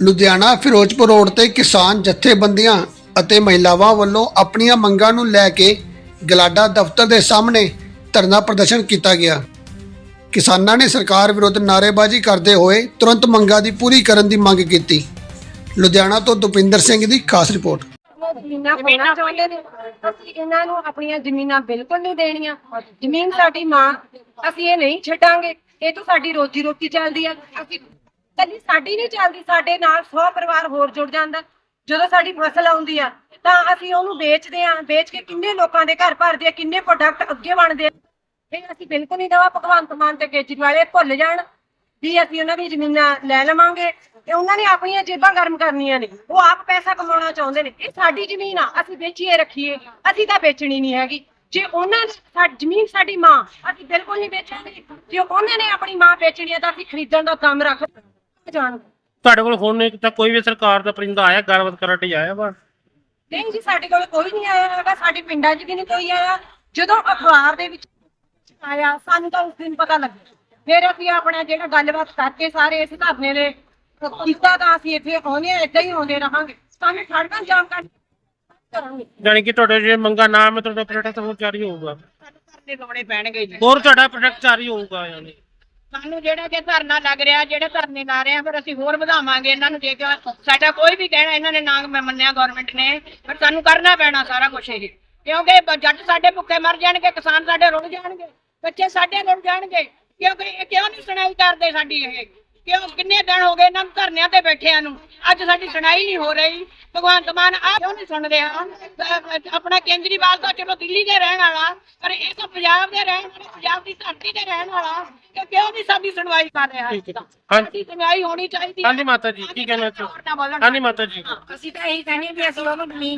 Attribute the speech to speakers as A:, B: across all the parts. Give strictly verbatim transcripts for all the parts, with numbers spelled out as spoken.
A: Ludhiana Firozpur road ਤੇ ਕਿਸਾਨ ਜਥੇਬੰਦੀਆਂ ਅਤੇ ਮਹਿਲਾਵਾਂ ਵੱਲੋਂ ਆਪਣੀਆਂ ਮੰਗਾਂ ਨੂੰ ਲੈ ਕੇ ਗਲਾਡਾ ਦਫ਼ਤਰ ਦੇ ਸਾਹਮਣੇ ਧਰਨਾ ਪ੍ਰਦਰਸ਼ਨ ਕੀਤਾ ਗਿਆ। ਕਿਸਾਨਾਂ ਨੇ ਸਰਕਾਰ ਵਿਰੁੱਧ ਨਾਅਰੇਬਾਜ਼ੀ ਕਰਦੇ ਹੋਏ ਤੁਰੰਤ ਮੰਗਾਂ ਦੀ ਪੂਰੀ ਕਰਨ ਦੀ ਮੰਗ ਕੀਤੀ। ਲੁਧਿਆਣਾ ਤੋਂ ਦੁਪਿੰਦਰ ਸਿੰਘ ਦੀ ਖਾਸ ਰਿਪੋਰਟ।
B: ਜ਼ਮੀਨਾਂ ਪਾਉਣਾ ਚਾਹੁੰਦੇ ਨੇ, ਅਸੀਂ ਇਹਨਾਂ ਨੂੰ ਆਪਣੀਆਂ ਜ਼ਮੀਨਾਂ ਬਿਲਕੁਲ ਨਹੀਂ ਦੇਣੀਆਂ। ਜ਼ਮੀਨ ਸਾਡੀ ਮਾਂ, ਅਸੀਂ ਇਹ ਨਹੀਂ ਛੱਡਾਂਗੇ। ਇਹ ਤੋਂ ਸਾਡੀ ਰੋਜੀ ਰੋਟੀ ਚੱਲਦੀ ਆ। ਅਸੀਂ ਕੱਲੀ ਸਾਡੀ ਨਹੀਂ ਚੱਲਦੀ, ਸਾਡੇ ਨਾਲ ਸੌ ਪਰਿਵਾਰ ਹੋਰ ਜੁੜ ਜਾਂਦਾ। ਜਦੋਂ ਸਾਡੀ ਫਸਲ ਆਉਂਦੀ ਆ ਤਾਂ ਅਸੀਂ ਉਹਨੂੰ ਵੇਚਦੇ ਆ, ਵੇਚ ਕੇ ਕਿੰਨੇ ਲੋਕਾਂ ਦੇ ਘਰ ਭਰਦੇ ਆ, ਕਿੰਨੇ ਪ੍ਰੋਡਕਟ ਅੱਗੇ ਬਣਦੇ ਆ। ਇਹ ਅਸੀਂ ਬਿਲਕੁਲ ਨਹੀਂ ਦੇਵਾ। ਭਗਵੰਤ ਮਾਨ ਤੇ ਕੇਜਰੀਵਾਲ ਇਹ ਭੁੱਲ ਜਾਣ ਵੀ ਅਸੀਂ ਉਹਨਾਂ ਦੀ ਜ਼ਮੀਨਾਂ ਲੈ ਲਵਾਂਗੇ ਤੇ ਉਹਨਾਂ ਨੇ ਆਪਣੀਆਂ ਜੇਬਾਂ ਗਰਮ ਕਰਨੀਆਂ ਨੇ। ਉਹ ਆਪ ਪੈਸਾ ਕਮਾਉਣਾ ਚਾਹੁੰਦੇ ਨੇ। ਇਹ ਸਾਡੀ ਜ਼ਮੀਨ ਆ, ਅਸੀਂ ਵੇਚੀਏ ਰੱਖੀਏ, ਅਸੀਂ ਤਾਂ ਵੇਚਣੀ ਨਹੀਂ ਹੈਗੀ। ਜੇ ਉਹਨਾਂ ਨੇ ਸਾਡੀ ਜ਼ਮੀਨ ਸਾਡੀ ਮਾਂ, ਅਸੀਂ ਬਿਲਕੁਲ ਨਹੀਂ ਵੇਚਾਂਗੇ। ਜੇ ਉਹਨਾਂ ਨੇ ਆਪਣੀ ਮਾਂ ਵੇਚਣੀ ਆ ਤਾਂ ਅਸੀਂ ਖਰੀਦਣ ਦਾ ਕੰਮ ਰੱਖ ਜਾਣ।
C: ਤੁਹਾਡੇ ਕੋਲ ਫੋਨ ਨਹੀਂ ਕੀਤਾ? ਕੋਈ ਵੀ ਸਰਕਾਰ ਦਾ ਪਰਿੰਦਾ ਆਇਆ ਗੱਲਬਾਤ ਕਰਨ ਲਈ ਆਇਆ ਵਾ?
B: ਨਹੀਂ ਜੀ, ਸਾਡੇ ਕੋਲ ਕੋਈ ਨਹੀਂ ਆਇਆ ਹੈਗਾ। ਸਾਡੇ ਪਿੰਡਾਂ 'ਚ ਵੀ ਨਹੀਂ ਕੋਈ ਆਇਆ। ਜਦੋਂ ਅਖਬਾਰ ਦੇ ਵਿੱਚ ਆਇਆ ਸਾਨੂੰ ਤਾਂ ਉਸ ਦਿਨ ਪਤਾ ਲੱਗਿਆ। ਫਿਰ ਅਸੀਂ ਆਪਣਾ ਜਿਹੜਾ ਗੱਲਬਾਤ ਕਰਕੇ ਸਾਰੇ ਇਸ ਧਰਨੇ ਦੇ ਕੀਤਾ ਤਾਂ ਅਸੀਂ ਇੱਥੇ ਆਉਂਦੇ ਆ, ਏਦਾਂ ਹੀ ਆਉਂਦੇ ਰਹਾਂਗੇ। ਸਾਨੂੰ ਸੜਕਾਂ ਜਾਮ ਕਰ ਕਰਾਂਗੇ।
C: ਜਾਣੀ ਕਿ ਤੁਹਾਡੇ ਜੇ ਮੰਗਾ ਨਾ ਮੈਂ ਤੁਹਾਡਾ ਪ੍ਰੋਡਕਟ ਹੋਰ ਜਾਰੀ ਹੋਊਗਾ।
D: ਸਾਨੂੰ ਧਰਨੇ ਲਾਉਣੇ ਪੈਣਗੇ ਜੀ।
C: ਹੋਰ ਤੁਹਾਡਾ ਪ੍ਰੋਡਕਟ ਜਾਰੀ ਹੋਊਗਾ। ਯਾਨੀ
D: ਸਾਨੂੰ ਜਿਹੜਾ ਜੇ ਧਰਨਾ ਲੱਗ ਰਿਹਾ, ਜਿਹੜੇ ਧਰਨੇ ਲਾ ਰਹੇ ਆ, ਫਿਰ ਅਸੀਂ ਹੋਰ ਵਧਾਵਾਂਗੇ ਇਹਨਾਂ ਨੂੰ। ਜੇ ਸਾਡਾ ਕੋਈ ਵੀ ਕਹਿਣਾ ਇਹਨਾਂ ਨੇ ਨਾ ਮੰਨਿਆ ਗਵਰਨਮੈਂਟ ਨੇ, ਪਰ ਸਾਨੂੰ ਕਰਨਾ ਪੈਣਾ ਸਾਰਾ ਕੁਛ ਇਹ। ਕਿਉਂਕਿ ਜੱਟ ਸਾਡੇ ਭੁੱਖੇ ਮਰ ਜਾਣਗੇ, ਕਿਸਾਨ ਸਾਡੇ ਰੁੜ ਜਾਣਗੇ, ਬੱਚੇ ਸਾਡੇ ਰੁੜ ਜਾਣਗੇ। ਕਿਉਂਕਿ ਇਹ ਕਿਉਂ ਨਹੀਂ ਸੁਣਾਈ ਕਰਦੇ ਸਾਡੀ? ਇਹ ਕਿਉਂ ਕਿੰਨੇ ਦਿਨ ਹੋ ਗਏ ਇਹਨਾਂ ਨੂੰ ਧਰਨਿਆਂ ਤੇ ਬੈਠਿਆਂ ਨੂੰ, ਅੱਜ ਸਾਡੀ ਸੁਣਾਈ ਨਹੀਂ ਹੋ ਰਹੀ। ਭਗਵੰਤ ਮਾਨ ਆ ਕਿਉਂ ਨਹੀਂ ਸੁਣ ਰਿਹਾ? ਆਪਣਾ ਕੇਜਰੀਵਾਲ ਤਾਂ ਚਲੋ ਦਿੱਲੀ ਦੇ ਰਹਿਣ ਵਾਲਾ, ਪਰ ਇਹ ਤਾਂ ਪੰਜਾਬ ਦੇ ਰਹਿਣ ਵਾਲੇ, ਪੰਜਾਬ ਦੀ ਧਰਤੀ ਤੇ ਰਹਿਣ ਵਾਲਾ। ਕਿ ਕਿਉਂ ਨਹੀਂ ਸਾਡੀ ਸੁਣਵਾਈ ਕਰ ਰਿਹਾ? ਸਾਡੀ ਸੁਣਵਾਈ ਹੋਣੀ ਚਾਹੀਦੀ।
C: ਹਾਂਜੀ ਮਾਤਾ ਜੀ, ਕੀ ਕਹਿਣਾ ਚਾਹੁੰਦੇ? ਹਾਂਜੀ ਮਾਤਾ ਜੀ,
B: ਅਸੀਂ ਤਾਂ ਇਹੀ ਕਹਿੰਦੇ ਵੀ ਅਸੀਂ ਉਹਨੂੰ ਜ਼ਮੀਨ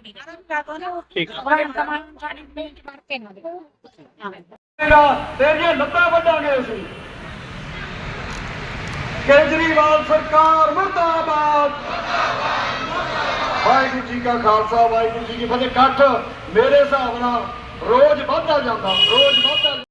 C: ਠੀਕ
B: ਸਾਡੀ ਜ਼ਮੀਨ ਚ ਵੜ ਕੇ ਨਾ ਦੇ।
E: ਤੇਰੀਆਂ ਲੱਤਾਂ ਵੱਢਾਂਗੇ ਅਸੀਂ। ਕੇਜਰੀਵਾਲ ਸਰਕਾਰ ਮੁਰਦਾਬਾਦ। ਵਾਹਿਗੁਰੂ ਜੀ ਕਾ ਖਾਲਸਾ, ਵਾਹਿਗੁਰੂ ਜੀ ਕੀ ਫਤਿਹ। ਇਕੱਠ ਮੇਰੇ ਹਿਸਾਬ ਨਾਲ ਰੋਜ਼ ਵੱਧਦਾ ਜਾਂਦਾ, ਰੋਜ਼ ਵੱਧਦਾ।